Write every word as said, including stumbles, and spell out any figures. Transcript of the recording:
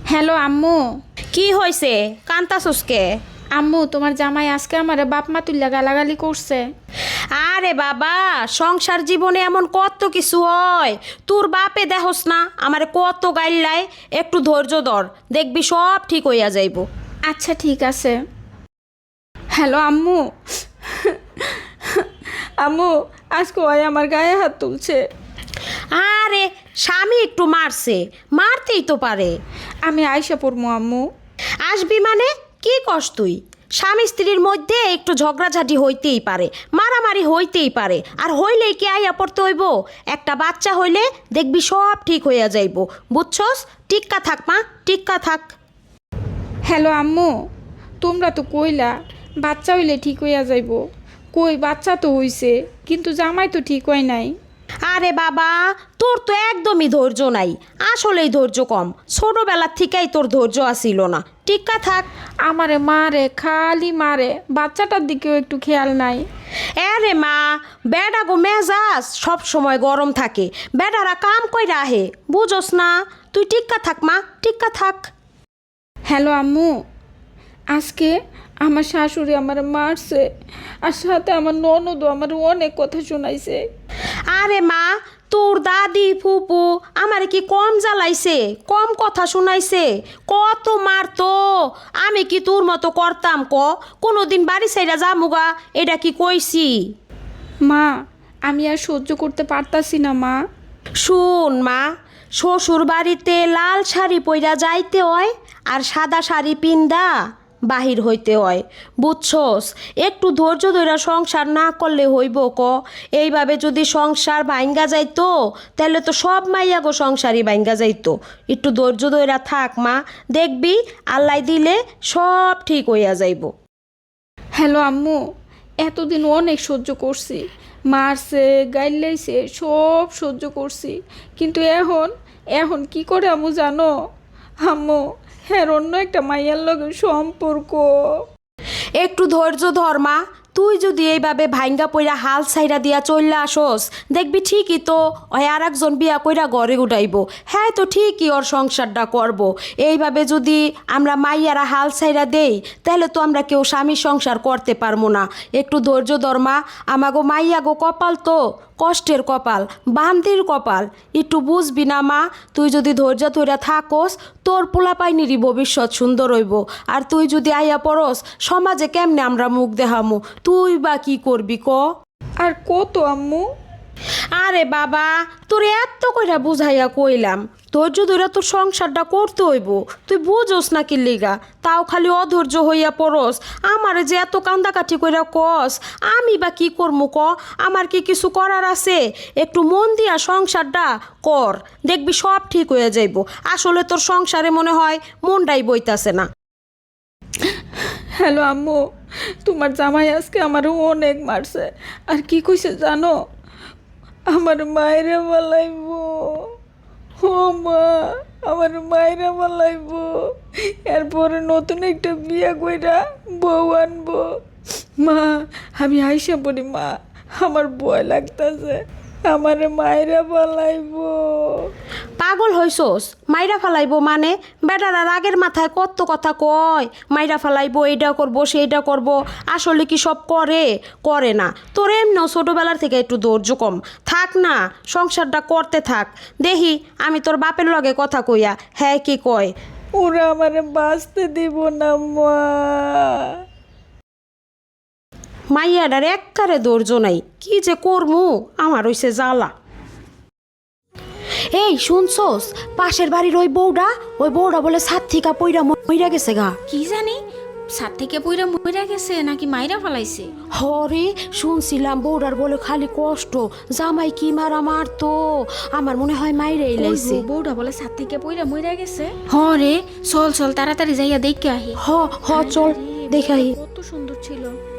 Hello আম্মু। কি হয়েছে? কান্তাছসকে? আম্মু তোমার জামাই আজকে আমারে বাপ মা তুল্লা গালাগালি করছে। আরে বাবা, সংসার জীবনে এমন কত কিছু হয়। তোর বাপে দেখোস না আমারে কত গাইল্লায়। একটু ধৈর্য ধর, দেখবি সব ঠিক হইয়া যাইব। আচ্ছা ঠিক আছে। হ্যালো আম্মু। আম্মু আজকে ওই আমার গায়ে হাত তুলছে। আরে স্বামী একটু মারছে, মারতেই তো পারে। আমি আইসা পড়মু আম্মু। আসবি মানে কি কস তুই? স্বামী স্ত্রীর মধ্যে একটু ঝগড়াঝাটি হইতেই পারে, মারামারি হইতেই পারে, আর হইলেই কি আইয়া পড়তে হইব? একটা বাচ্চা হইলে দেখবি সব ঠিক হইয়া যাইব, বুঝছস? টিক্কা থাক মা, টিক্কা থাক। হ্যালো আম্মু, তোমরা তো কইলা বাচ্চা হইলে ঠিক হইয়া যাইব। কই বাচ্চা তো হইছে, কিন্তু জামাই তো ঠিক হয় নাই। আরে বাবা, তোর তো একদমই ধৈর্য নাই, আসলেই ধৈর্য কম। ছোটবেলার থেকেই তোর ধৈর্য আসিল না, টিক্কা থাক। আমারে মারে, খালি মারে, বাচ্চাটার দিকেও একটু খেয়াল নাই। আরে মা, বেডা গো মেজাজ সব সময় গরম থাকে, বেডারা কাম কইরা আহে, বুঝোস না? তুই টিক্কা থাক মা, টিক্কা থাক। হ্যালো আম্মু, আজকে আমার শাশুড়ি আমার মারছে, আর সাথে আমার ননদও আমার অনেক কথা শোনাইছে। আরে মা, তোর দাদি ফুপু আমারে কি কম জ্বালাইছে, কম কথা শুনাইছে? কত মারতো, আমি কি তোর মতো করতাম ক? কোনোদিন বাড়ি সাইডা যামুগা এটা কি কইছি? মা, আমি আর সহ্য করতে পারতাছি না মা। শুন মা, শ্বশুর বাড়িতে লাল শাড়ি পইরা যাইতে হয়, আর সাদা শাড়ি পিন্দা বাহির হইতে হয়, বুঝছস? একটু ধৈর্য ধইরা সংসার না করলে হইব ক? এইভাবে যদি সংসার ভাঙ্গা যাইতো, তাহলে তো সব মাইয়া গো সংসারই ভাঙ্গা যাইতো। একটু ধৈর্য ধইরা থাক মা, দেখবি আল্লাহ দিলে সব ঠিক হইয়া যাইব। হ্যালো আম্মু, এতদিন অনেক সহ্য করছি, মারছে গাইলাইছে সব সহ্য করছি, কিন্তু এখন এখন কি করে আম্মু জানো? আম্মু, হ্যাঁ অন্য একটা মাইয়ার লগে সম্পর্ক। একটু ধৈর্য ধর মা, তুই যদি এইভাবে ভাঙ্গা পইরা হাল ছাইরা দিয়া চললে আসস, দেখবি ঠিকই তো ওই আর একজন বিয়া কইরা ঘরে উঠাইব। হ্যাঁ তো ঠিকই ওর সংসারটা করব। এইভাবে যদি আমরা মাইয়ারা হাল ছাইরা দেই, তাহলে তো আমরা কেউ স্বামীর সংসার করতে পারবো না। একটু ধৈর্য ধর মা, আমাগো মাইয়া গো কপাল তো কষ্টের কপাল, বান্দির কপাল, একটু বুঝবি না মা? তুই যদি ধৈর্য ধরে থাকস, তোর পোলাপাইনেরই ভবিষ্যৎ সুন্দর হইব। আর তুই যদি আইয়া পড়স, সমাজে কেমনে আমরা মুখ দেখামু? তুই বা কি করবি ক? আর কত আম্মু? আরে বাবা, তোর এত কইরা বুঝাইয়া কইলাম, ধৈর্য ধরে তোর সংসারটা করতে হইব। তুই বুঝোস না কি লিগা, তাও খালি অধৈর্য হইয়া পড়স। আমারে যে এত কান্দাকাঠি কইরা কস, আমি বা কি করমু ক? আমার কি কিছু করার আছে? একটু মন দিয়া সংসারটা কর, দেখবি সব ঠিক হয়ে যাইব। আসলে তোর সংসারে মনে হয় মনটাই বইতাছে না। হ্যালো আম্মু, তোমার জামাই আজকে আমার অনেক মারছে, আর কি কইছে জানো? আমার মায়েরে বলাইব। ও মা, আমার মায়েরে বলাইব, এরপরে নতুন একটা বিয়ে কইরা বউ আনবো। মা, আমি আইসা পড়ি মা, আমার ভয় লাগতাছে, আমার মায়েরা বলাইব। পাগল হইছস? মাইরা ফালাইবো মানে? বেটারা রাগের মাথায় কত কথা কয়, মাইরা ফালাইবো, এইটা করবো সেইটা করবো। আসলে কি সব করে? করে না। তোর এমনিও ছোটোবেলার থেকে একটু ধৈর্য কম। থাক না, সংসারটা করতে থাক। দেখি আমি তোর বাপের লগে কথা কইয়া হ্যাঁ কি কয়। ওরা আমারে বাঁচতে দিব না মা। মাইয়াডার এককারে ধৈর্য নাই, কি যে করমু আমার হইছে জ্বালা। এই শুনছস, পাশের বাড়ির ওই বউটা, ওই বউটা বলে সাত থিকা পইরা মইরা গেছে গা। কি জানি, সাত থেকে পইরা মইরা গেছে নাকি মাইরা ফেলাইছে? হরে, শুনছিলাম বউডার বলে খালি কষ্ট, জামাই কি মারা মারতো। আমার মনে হয় মাইরে এলাইছে। বউটা বলে সাত থেকে পইরা মইরা গেছে। হরে, চল চল তাড়াতাড়ি যাইয়া দেখে আহি। হ হ চল দেখাই। কত সুন্দর ছিল।